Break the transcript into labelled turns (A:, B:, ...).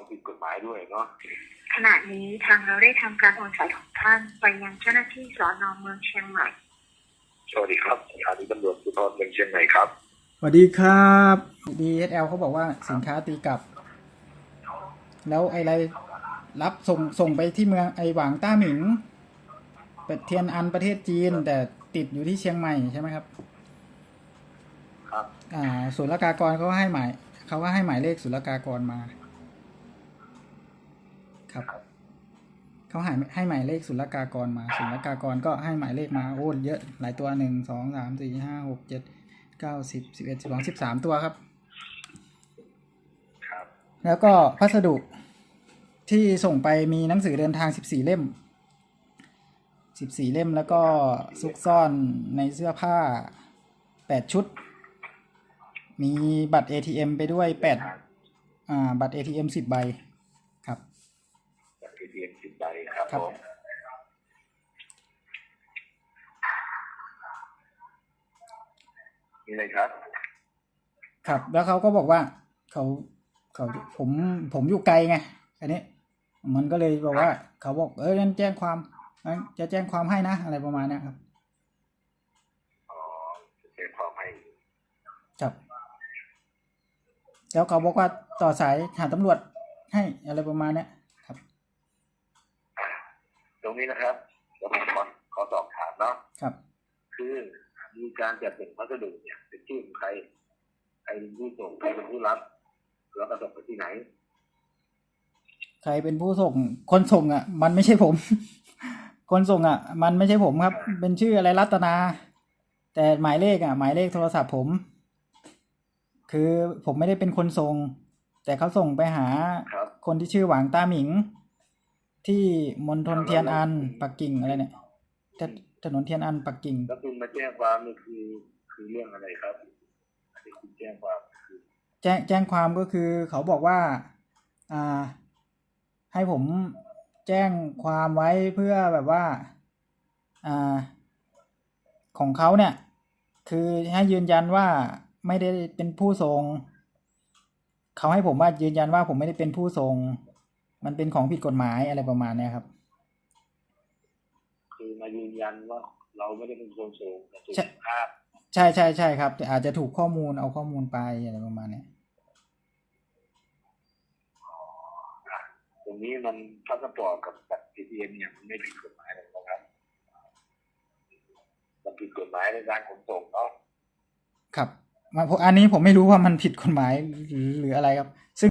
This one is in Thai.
A: ผิดกฎหมายด้วยเนาะ
B: ขณะนี้ทางเราได้ทำการโอนสายของท่านไปยังเจ้าหน้าที่สน.เมืองเชียงใหม่
A: สวัสดีครับสถานีตำรวจภูธรเมืองเชียงใหม่ครับ
C: สวัสดีครับ DSL เขาบอกว่าสินค้าตีกลับแล้วอะไรรับส่งไปที่เมืองไอหวางต้าหมิงเทียนอันประเทศจีนแต่ติดอยู่ที่เชียงใหม่ใช่ไหมครับ
A: ครับ
C: ศุลกากรเขาก็ให้หมายเลขศุลกากรมาครับเขาให้หมายเลขศุลกากรมาศุลกากรก็ให้หมายเลขมาโอ้เยอะหลายตัว1 2 3 4 5 6 7 9 10 11 12 13ตัวครับแล้วก็พัสดุที่ส่งไปมีหนังสือเดินทาง14 เล่มแล้วก็ซุกซ่อนในเสื้อผ้า8 ชุดมีบัตร ATM ไปด้วยบัตร ATM 10 ใบครับ
A: บัตร ATM 10 ใบครับผมนี่เลยครับ
C: ครับแล้วเขาก็บอกว่าเขาผมอยู่ไกลไงอันนี้มันก็เลยบอกว่าเขาบอกงั้นแจ้งความจะแจ้งความให้นะอะไรประมาณนี้ครับ
A: จะแจ้งความให้
C: ครับแล้วเขาบอกว่าต่อสายหาตำรวจให้อะไรประมาณนี้ครับ
A: ตรงนี้นะครับแล้วผมขอสอบถามเนาะ
C: ครับ
A: คือมีการจัดส่งพัสดุเนี่ยเป็นชื่อของใครเป็นผู้ส่งใครเป็นผู้รับแล้วก็ส่งไปที่ไหน
C: ใครเป็นผู้ส่งคนส่งมันไม่ใช่ผม คนส่งมันไม่ใช่ผมครับเป็นชื่ออะไรรัตนาแต่หมายเลขโทรศัพท์ผมคือผมไม่ได้เป็นคนส่งแต่เขาส่งไปหาคนที่ชื่อหวางต้าหมิงที่มณฑลเทียนอันปักกิ่งอะไรเนี่ยถนนเทียนอันปักกิ่ง
A: แล้วคุณมาแจ้งความนี่คือเรื่องอะไรครับที่คุณแจ้งความคือ
C: แจ้งความก็คือเขาบอกว่าให้ผมแจ้งความไว้เพื่อแบบว่าของเขาเนี่ยคือให้ยืนยันว่าไม่ได้เป็นผู้ส่งเขาให้ผมว่ายืนยันว่าผมไม่ได้เป็นผู้ส่งมันเป็นของผิดกฎหมายอะไรประมาณนี้ครับ
A: คือมายืนยันว่าเราไม่ได้เป็นคนส่งแต่ถูกภาพ
C: ใช่ครับแต่อาจจะถูกข้อมูลเอาข้อมูลไปอะไรประมาณนี้
A: ตรงนี้มันพาสปอร์ตกับบัตร ATM เนี่ยมันไม่ผิดกฎหมายเลยนะครับมันผิดกฎหมายในการขนส่งเนาะ
C: ครับอันนี้ผมไม่รู้ว่ามันผิดกฎหมายหรืออะไรครับซึ่ง